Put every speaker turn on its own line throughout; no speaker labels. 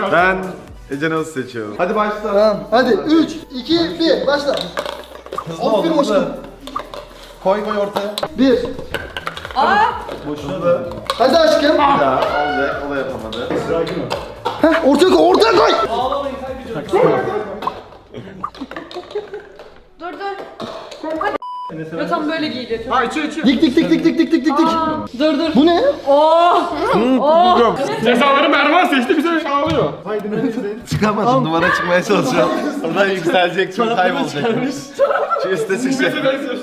Ben Ece Naz seçiyorum. Hadi başla.
Tamam. Hadi 3, 2, 1. Başla. Aferin aşkım.
Koy ortaya.
1.
Boşuna.
Hadi aşkım.
Bir daha olacak. O da yapamadı.
Heh, ortaya koy, ortaya koy.
Dur. Ya tam böyle giydi.
Dik dik dik dik dik dik dik dik.
Dur.
Bu ne?
Cezaları Mervan seçti bize ağlıyor.
Çıkamadım. Duvara çıkmaya çalışıyorum. Oradan yükselecek. Çok kaybolacak. Şu üstte çıkacak.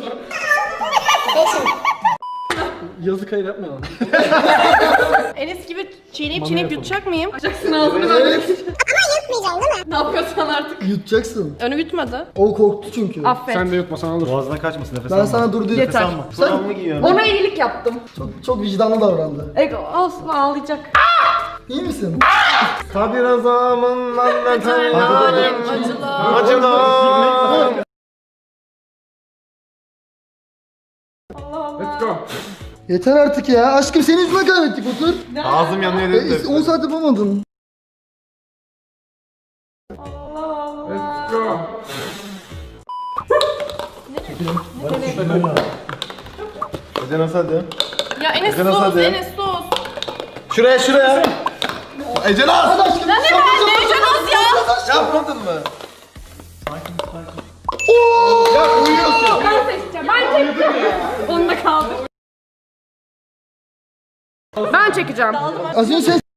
Yazık hayır yapma.
Enes gibi çiğneyip yutacak mıyım? Yutacaksın ağzını böyle.
Evet.
Yutmayacaksın değil mi? Ne yapıyorsan artık.
Yutacaksın.
Önü yutmadı.
O korktu çünkü.
Affet.
Sen de yutmasan olur.
Boğazına kaçmasın nefes
Ben sana dur dedim.
Yeter.
Sen
mı giyiyorsun?
Ona iyilik yaptım.
çok vicdanlı davrandı.
Olsun ağlayacak.
İyi misin?
Kadir Azam'ın anlatan
Alem acılar.
acılar.
Let's go.
Yeter artık ya. Aşkım senin yüzünden kaybettik otur.
Ağzım yanıyor dedim.
10 saat yapamadın.
Let's go.
Ece Naz hadi.
Ya Enes
Ece Naz
sus,
hadi.
Enes sus.
Şuraya. Ece Naz.
Hadi aşkım.
Ne Ece ya?
Yapmadın mı?
Oo!
Ya uyuyorsun.
Ben seçeceğim. Ben çekeceğim. Onda kaldı. Ben çekeceğim.
Az önce sen